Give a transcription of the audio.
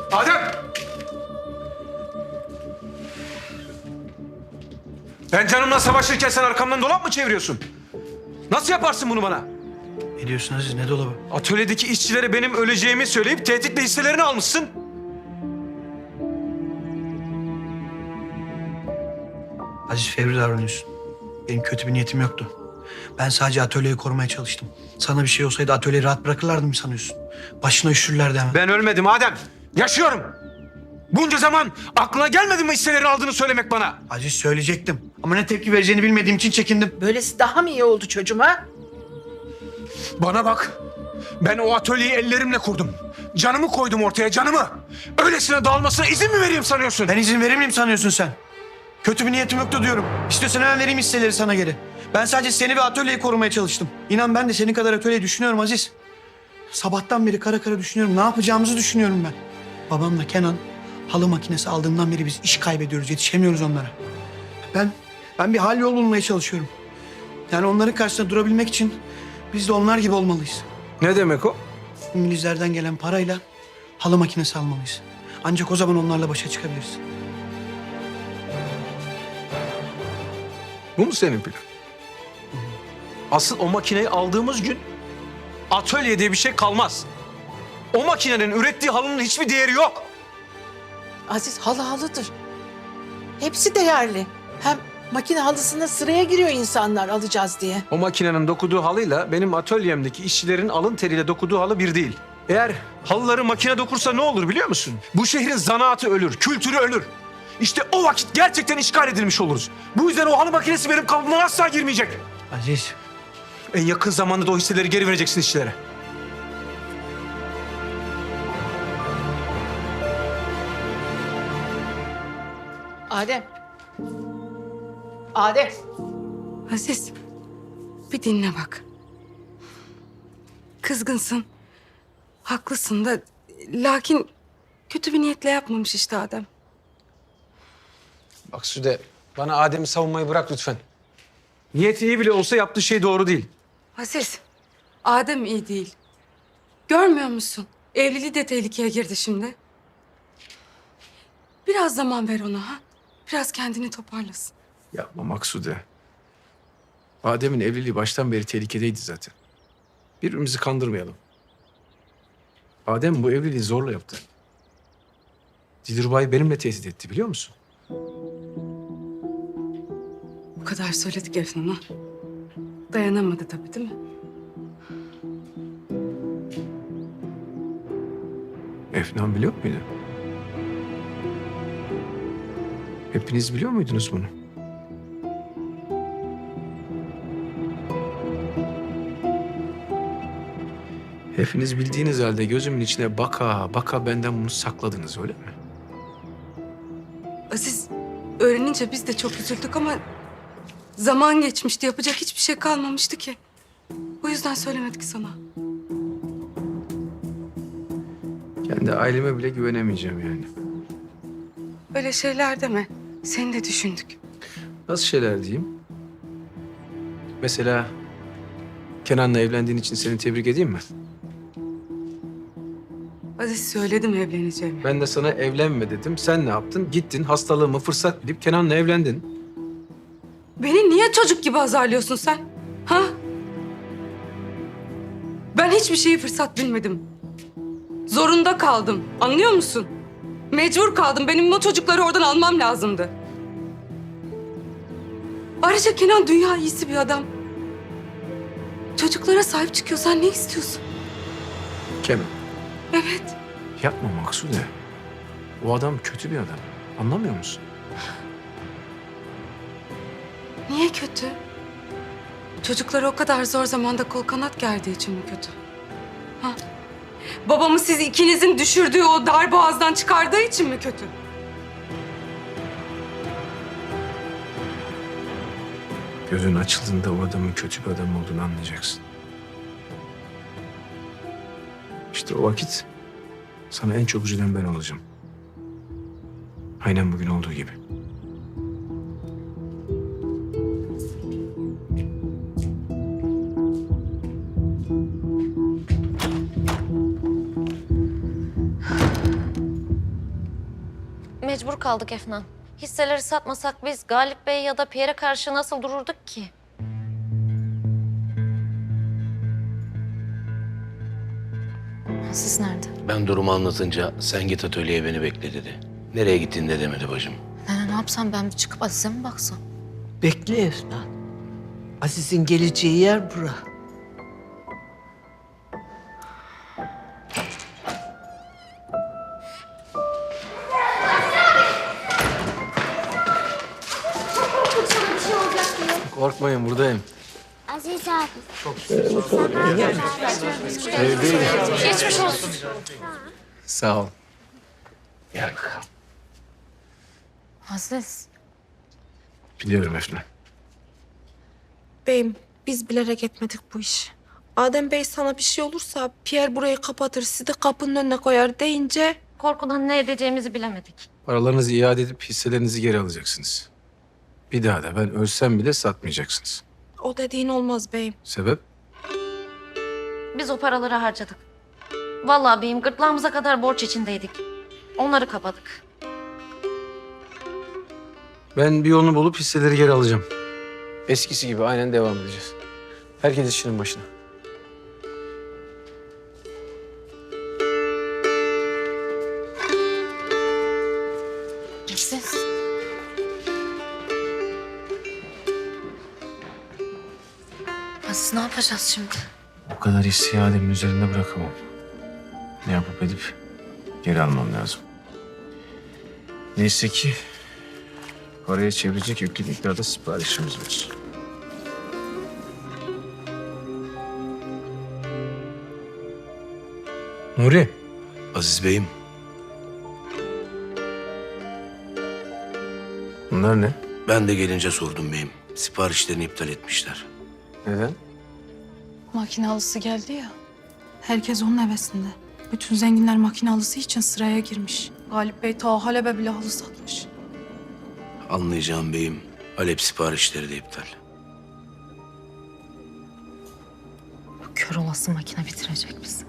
Adem! Ben canımla savaşırken sen arkamdan dolap mı çeviriyorsun? Nasıl yaparsın bunu bana? Ne diyorsun Aziz? Ne dolabı? Atölyedeki işçilere benim öleceğimi söyleyip tehditle hisselerini almışsın. Aziz, fevri davranıyorsun. Benim kötü bir niyetim yoktu. Ben sadece atölyeyi korumaya çalıştım. Sana bir şey olsaydı atölyeyi rahat bırakırlardı mı sanıyorsun? Başına üşürlerdi hemen. Ben ölmedim Adem. Yaşıyorum. Bunca zaman aklına gelmedi mi hisselerini aldığını söylemek bana? Aziz, söyleyecektim. Ama ne tepki vereceğini bilmediğim için çekindim. Böylesi daha mı iyi oldu çocuğuma? Bana bak. Ben o atölyeyi ellerimle kurdum. Canımı koydum ortaya, canımı. Öylesine dağılmasına izin mi vereyim sanıyorsun? Ben izin verir miyim sanıyorsun sen? Kötü bir niyetim yoktu diyorum. İstiyorsan hemen vereyim hisseleri sana geri. Ben sadece seni ve atölyeyi korumaya çalıştım. İnan ben de senin kadar atölyeyi düşünüyorum Aziz. Sabahtan beri kara kara düşünüyorum. Ne yapacağımızı düşünüyorum ben. Babamla Kenan halı makinesi aldığından beri biz iş kaybediyoruz. Yetişemiyoruz onlara. Ben bir hal yol bulmaya çalışıyorum. Yani onların karşısında durabilmek için biz de onlar gibi olmalıyız. Ne demek o? İngilizlerden gelen parayla halı makinesi almalıyız. Ancak o zaman onlarla başa çıkabiliriz. Bu mu senin plan? Asıl o makineyi aldığımız gün atölye diye bir şey kalmaz. O makinenin ürettiği halının hiçbir değeri yok. Aziz halı halıdır. Hepsi değerli. Hem makine halısına sıraya giriyor insanlar alacağız diye. O makinenin dokuduğu halıyla benim atölyemdeki işçilerin alın teriyle dokuduğu halı bir değil. Eğer halıları makine dokursa ne olur biliyor musun? Bu şehrin zanaatı ölür, kültürü ölür. İşte o vakit gerçekten işgal edilmiş oluruz. Bu yüzden o halı makinesi benim kalıbımdan asla girmeyecek. Aziz, En yakın zamanda da o hisseleri geri vereceksin işçilere. Adem. Adem. Aziz, bir dinle bak. Kızgınsın, haklısın da lakin kötü bir niyetle yapmamış işte Adem. Bak Süde, bana Adem'i savunmayı bırak lütfen. Niyeti iyi bile olsa yaptığı şey doğru değil. Aziz, Adem iyi değil. Görmüyor musun? Evliliği de tehlikeye girdi şimdi. Biraz zaman ver ona ha. Biraz kendini toparlasın. Yapma Maksude. Adem'in evliliği baştan beri tehlikedeydi zaten. Birbirimizi kandırmayalım. Adem bu evliliği zorla yaptı. Dilruba'yı benimle tehdit etti biliyor musun? Bu kadar söyledik Efnan'a. Dayanamadı tabii değil mi? Efnan biliyor muydu? Hepiniz biliyor muydunuz bunu? Hepiniz bildiğiniz halde gözümün içine baka baka benden bunu sakladınız öyle mi? Aziz, öğrenince biz de çok üzüldük ama zaman geçmişti. Yapacak hiçbir şey kalmamıştı ki. O yüzden söylemedik sana. Kendi aileme bile güvenemeyeceğim yani. Öyle şeyler deme. Seni de düşündük. Nasıl şeyler diyeyim? Mesela Kenan'la evlendiğin için seni tebrik edeyim mi? Aziz söyledim evleneceğimi. Ben de sana evlenme dedim. Sen ne yaptın? Gittin hastalığımı fırsat bilip Kenan'la evlendin. Beni niye çocuk gibi azarlıyorsun sen? Ha? Ben hiçbir şeyi fırsat bilmedim. Zorunda kaldım. Anlıyor musun? Mecbur kaldım. Benim o çocukları oradan almam lazımdı. Ayrıca Kenan dünya iyisi bir adam. Çocuklara sahip çıkıyor. Sen ne istiyorsun? Kenan. Evet. Yapma Maksude. O adam kötü bir adam. Anlamıyor musun? Niye kötü? Çocuklara o kadar zor zamanda kol kanat gerdiği için mi kötü? Ha? Babamı siz ikinizin düşürdüğü o dar boğazdan çıkardığı için mi kötü? Gözün açıldığında o adamın kötü bir adam olduğunu anlayacaksın. İşte o vakit sana en çok üzülen ben olacağım. Aynen bugün olduğu gibi. Mecbur kaldık Efnan. Hisseleri satmasak biz Galip Bey ya da Pierre'e karşı nasıl dururduk ki? Siz nerede? Ben durumu anlatınca sen git atölyeye beni bekle dedi. Nereye gittin de demedi bacım. Ne yapsam ben bir çıkıp Aziz'e mi baksam? Bekle Efnan. Aziz'in geleceği yer bura. Korkmayın buradayım. Aziz abi. Evdeyim. Geçmiş olsun. Sağ ol. Gel. Aziz. Biliyorum Efna. Beyim, biz bilerek etmedik bu işi. Adem Bey sana bir şey olursa Pierre burayı kapatır, sizi de kapının önüne koyar deyince... Korkudan ne edeceğimizi bilemedik. Paralarınızı iade edip hisselerinizi geri alacaksınız. Bir daha da ben ölsem bile satmayacaksınız. O dediğin olmaz beyim. Sebep? Biz o paraları harcadık. Vallahi beyim gırtlağımıza kadar borç içindeydik. Onları kapadık. Ben bir yolunu bulup hisseleri geri alacağım. Eskisi gibi aynen devam edeceğiz. Herkes işinin başına. Aziz. Aziz ne yapacağız şimdi? Bu kadar hissi iademin üzerinde bırakamam. Ne yapıp edip geri almam lazım. Neyse ki paraya çevirecek yüklü miktarda siparişimiz var. Nuri. Aziz Bey'im, Bunlar ne? ben de gelince sordum beyim. Siparişlerini iptal etmişler. Neden? Makinalısı geldi ya. Herkes onun hevesinde. Bütün zenginler makinalısı için sıraya girmiş. Galip Bey ta Halep'e bile halı satmış. Anlayacağım beyim. Halep siparişleri de iptal. Bu kör olası makine bitirecek bizi.